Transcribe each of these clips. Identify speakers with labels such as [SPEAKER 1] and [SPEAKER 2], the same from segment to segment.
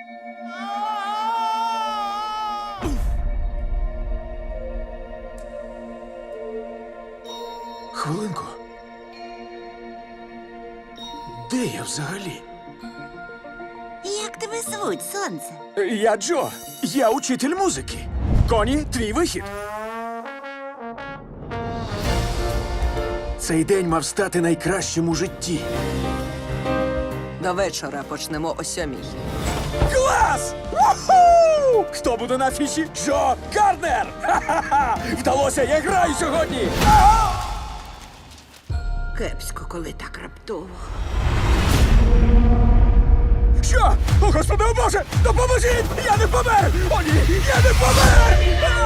[SPEAKER 1] Хвилинку. Де я взагалі?
[SPEAKER 2] Як тебе звуть, сонце?
[SPEAKER 1] Я Джо. Я учитель музики. Коні, твій вихід. Цей день мав стати найкращим у житті.
[SPEAKER 3] До вечора почнемо о 7:00.
[SPEAKER 1] Клас! Уху! Хто буде на афіші? Джо Гарднер! Ха-ха-ха! Вдалося, я граю сьогодні!
[SPEAKER 2] Кепсько, коли так раптово.
[SPEAKER 1] Що? О, Господи, о Боже! Допоможіть! Я не помер! О, ні! Я не помер!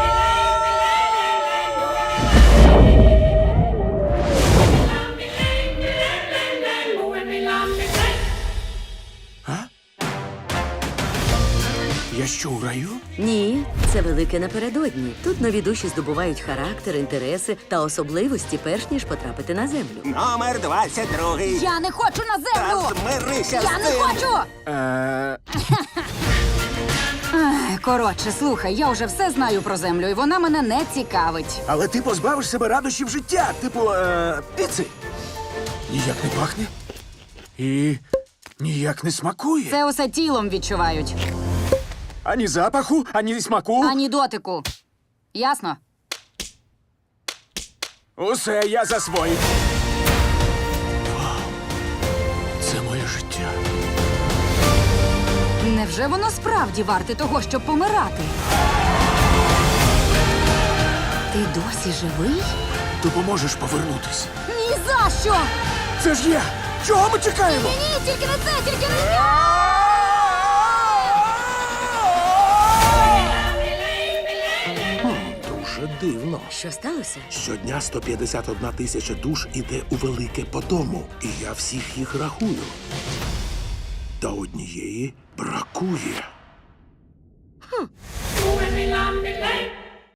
[SPEAKER 1] Я що, у раю?
[SPEAKER 4] Ні, це велике напередодні. Тут нові душі здобувають характер, інтереси та особливості, перш ніж потрапити на землю.
[SPEAKER 5] Номер 22.
[SPEAKER 6] Я не хочу на землю!
[SPEAKER 5] Та змирися
[SPEAKER 6] Я
[SPEAKER 5] з
[SPEAKER 6] не
[SPEAKER 5] цим.
[SPEAKER 6] хочу! Коротше, слухай, я вже все знаю про землю, і вона мене не цікавить.
[SPEAKER 1] Але ти позбавиш себе радощів життя, типу, піци. Ніяк не пахне. І ніяк не смакує.
[SPEAKER 6] Це усе тілом відчувають,
[SPEAKER 1] Ані запаху, ані смаку.
[SPEAKER 6] ані дотику. Ясно?
[SPEAKER 1] Усе я засвоїв. Вау. Це моє життя.
[SPEAKER 6] Невже воно справді варте того, щоб помирати? Ти досі живий?
[SPEAKER 1] Допоможеш повернутись.
[SPEAKER 6] Ні за що!
[SPEAKER 1] Це ж я! Чого ми чекаємо?
[SPEAKER 6] Ні, тільки не це, тільки не це!
[SPEAKER 7] Дуже дивно.
[SPEAKER 4] Що сталося?
[SPEAKER 7] Щодня 151 тисяча душ іде у велике по дому, і я всіх їх рахую. Та однієї бракує.